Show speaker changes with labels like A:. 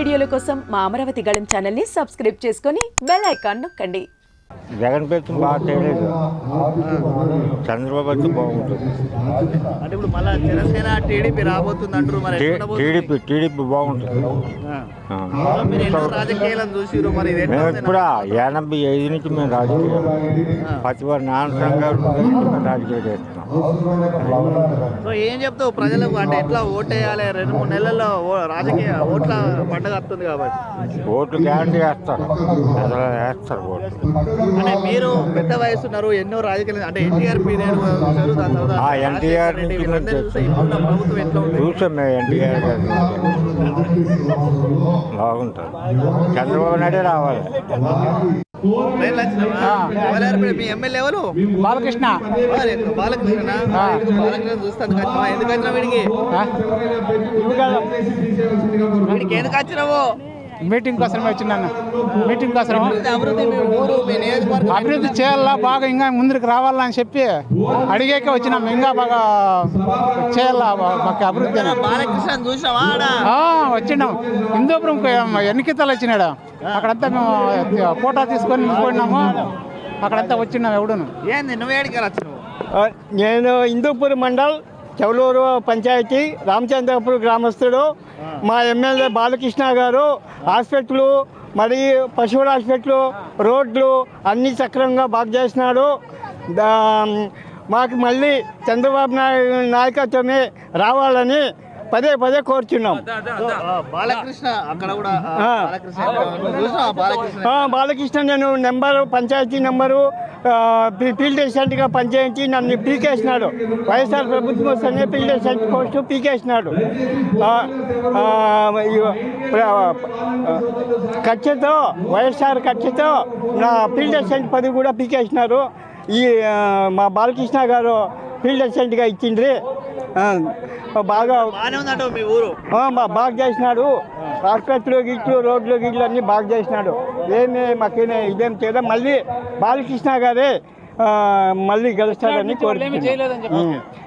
A: వీడియోల కోసం మా అమరావతి గళం ఛానల్ని సబ్స్క్రైబ్ చేసుకొని బెల్ ఐకాన్ నొక్కండి.
B: జగన్ పెడుతుంది బాగా చేయలేదు, చంద్రబాబు అయితే బాగుంటుంది.
C: అంటే ఇప్పుడు మళ్ళీ జనసేన టీడీపీ రాబోతుంది అంటారు, మరి
B: టీడీపీ బాగుంటుంది.
C: రాజకీయాలను చూసిరు మరి
B: మేము ఇప్పుడు 85 నుంచి మేము రాజకీయం ప్రతి వారు నాన్నసంగా రాజకీయం చేస్తున్నాం.
C: సో ఏం చెప్తావు ప్రజలకు, అంటే ఎట్లా ఓటేయాలి? 2-3 నెలల్లో రాజకీయ ఓట్ల పండుగ వస్తుంది కాబట్టి
B: ఓట్లు గ్యారంటీ వేస్తారు, వేస్తారు ఓట్లు.
C: అంటే మీరు పెద్ద వయసున్నారు, ఎన్నో రాజకీయాలు, అంటే ఎన్టీఆర్ పీరియడ్
B: ఎన్టీఆర్
C: ప్రభుత్వం ఎట్లా ఉంది
B: చూసాం మేము. ఎన్టీఆర్ గారు బాగుంటుంది, చంద్రబాబు నాయుడే రావాలి.
C: మీ ఎమ్మెల్యే ఎవరు?
D: బాలకృష్ణ.
C: బాలకృష్ణ చూస్తాను. ఎందుకు వచ్చినా వీడికి ఎందుకు వచ్చినావు?
D: మీటింగ్ కోసం వచ్చినాను. మీటింగ్ కోసం అభివృద్ధి చేయాలా, బాగా ఇంకా ముందుకు రావాలా అని చెప్పి అడిగాక వచ్చినాం. ఇంకా బాగా చేయాలా అభివృద్ధి.
C: బాలకృష్ణ చూసావా?
D: వచ్చినాం. హిందూపురం ఎన్నికలు వచ్చినాడు, అక్కడంతా మేము ఫోటో తీసుకొని పోయినాము. అక్కడంతా వచ్చినాం. ఎవడును
C: ఏంది నువ్వేడికి వచ్చినావు?
E: నేను హిందూపూర్ మండల్ చౌలూరు పంచాయతీ రామచంద్రపురం గ్రామస్తుడు. మా ఎమ్మెల్యే బాలకృష్ణ గారు హాస్పిటల్, మరి పశువుల హాస్పిటల్, రోడ్లు అన్నీ సక్రమంగా బాగు చేసినాడు. మాకు మళ్ళీ చంద్రబాబు నాయుడు నాయకత్వమే రావాలని పదే పదే కోరుచున్నాం.
C: బాలకృష్ణ అక్కడ కూడా
E: బాలకృష్ణ నేను పంచాయతీ నెంబరు ఫీల్డ్ అసిస్టెంట్గా పనిచేయించి నన్ను పీకేసినాడు. వైఎస్ఆర్ ప్రభుత్వం వస్తేనే ఫీల్డ్ అసిస్టెంట్ పోస్టు పీకేసినాడు. ఖర్చుతో వైఎస్ఆర్ ఖర్చుతో నా ఫీల్డ్ అసిస్టెంట్ పదవి కూడా పీకేసినారు. మా బాలకృష్ణ గారు ఫీల్డ్ అసిస్టెంట్గా ఇచ్చిండ్రి. బాగా బాగా చేసినాడు. హాస్పిటల్ గిట్లు, రోడ్లు గిట్లు అన్నీ బాగా చేసినాడు. మాకేనే ఇదేం చేయడం. మళ్ళీ బాలకృష్ణ గారే మళ్ళీ గెలుస్తాడని కోరుకుంటున్నాను.